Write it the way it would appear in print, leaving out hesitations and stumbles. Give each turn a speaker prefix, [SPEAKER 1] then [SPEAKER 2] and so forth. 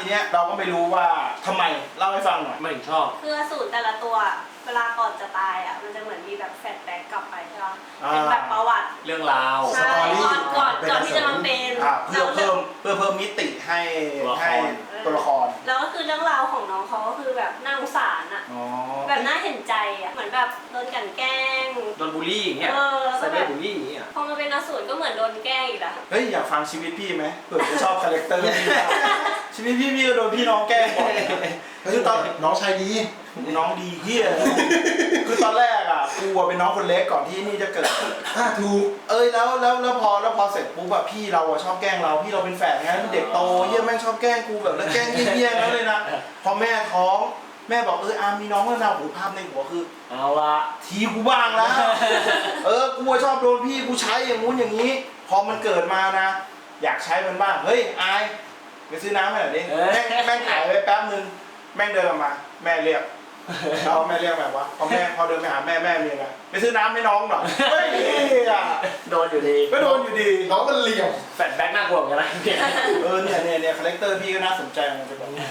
[SPEAKER 1] เนี้ยเราก็ไม่รู้ว่าทำไมเล่าให้ฟังหน่อย
[SPEAKER 2] ไม่ถึงชอบ
[SPEAKER 3] คืออสูรแต่ละตัวเวลาก่อนจะตายอ่ะมันจะเหมือนมีแบบแฟลชแบ็กกลับไปใช่ไหมเป็นแบบประวัติ
[SPEAKER 2] เรื่องราว
[SPEAKER 3] ใช่ก่อนที่จะมาเป็น
[SPEAKER 1] เพื่อเพิ่มมิติให้ตัวละคร
[SPEAKER 3] แล้วก็คือเรื่องราวของน้องเขาก็คือแบบน่าสงสารอ่ะแบบน่าเห็นใจอ่ะเหมือนแบบโดนกลั่นแกล้ง
[SPEAKER 2] โดนบูลลี่อย่างเงี้ย
[SPEAKER 3] แล้วก็แบบ
[SPEAKER 2] บูลลี่อย่างเงี้ย
[SPEAKER 3] พอมาเป็นอสูรก็เหมือนโดนแกล้งอีกอ่ะ
[SPEAKER 1] เฮ้ยอยากฟังชีวิตพี่ไหมเผื่อจะชอบคาแรคเตอร์พี่ชีวิตพี่ก็โดนพี่น้องแกล้งบ่อยคือตอน
[SPEAKER 4] น้องชายดี
[SPEAKER 1] น้องดีเฮียคือตอนแรกอ่ะกูเป็นน้องคนเล็กก่อนที่นี่จะเกิด
[SPEAKER 4] ถูก
[SPEAKER 1] แล้วพอเสร็จปุ๊บแบบพี่เราชอบแกล้งเราพี่เราเป็นแฝดไงเด็กโตเฮียแม่งชอบแกล้งกูแบบแล้วแกล้งเฮี้ยแล้วเลยนะพอแม่ท้องแม่บอกอามีน้องแล้วนะหูภาพในหัวคือ
[SPEAKER 2] เอาละ
[SPEAKER 1] ทีกูบ้างแล้วกูชอบโดนพี่กูใช้อย่างงู้นอย่างนี้พอมันเกิดมานะอยากใช้มันบ้างเฮ้ยอายไปซื้อน้ำให้หน่อยดิแม่งหายไปแป๊บนึงแม่งเดินออกมาแม่เรียกแล้วแม่เรียกแบบว่าพอเดินไปหาแม่มีอะไรไปซื้อน้ำให้น้องหน่อยเฮ้ย
[SPEAKER 2] โดนอยู่ดี
[SPEAKER 1] ก็โดนอยู่ดี
[SPEAKER 4] น้องมันเหลี่ยม
[SPEAKER 2] แฟลชแบ็กน่ากลัวเหมือนกันนะ
[SPEAKER 1] เนี่ยคาแรคเตอร์พี่ก็น่าสนใจมันจะแบบ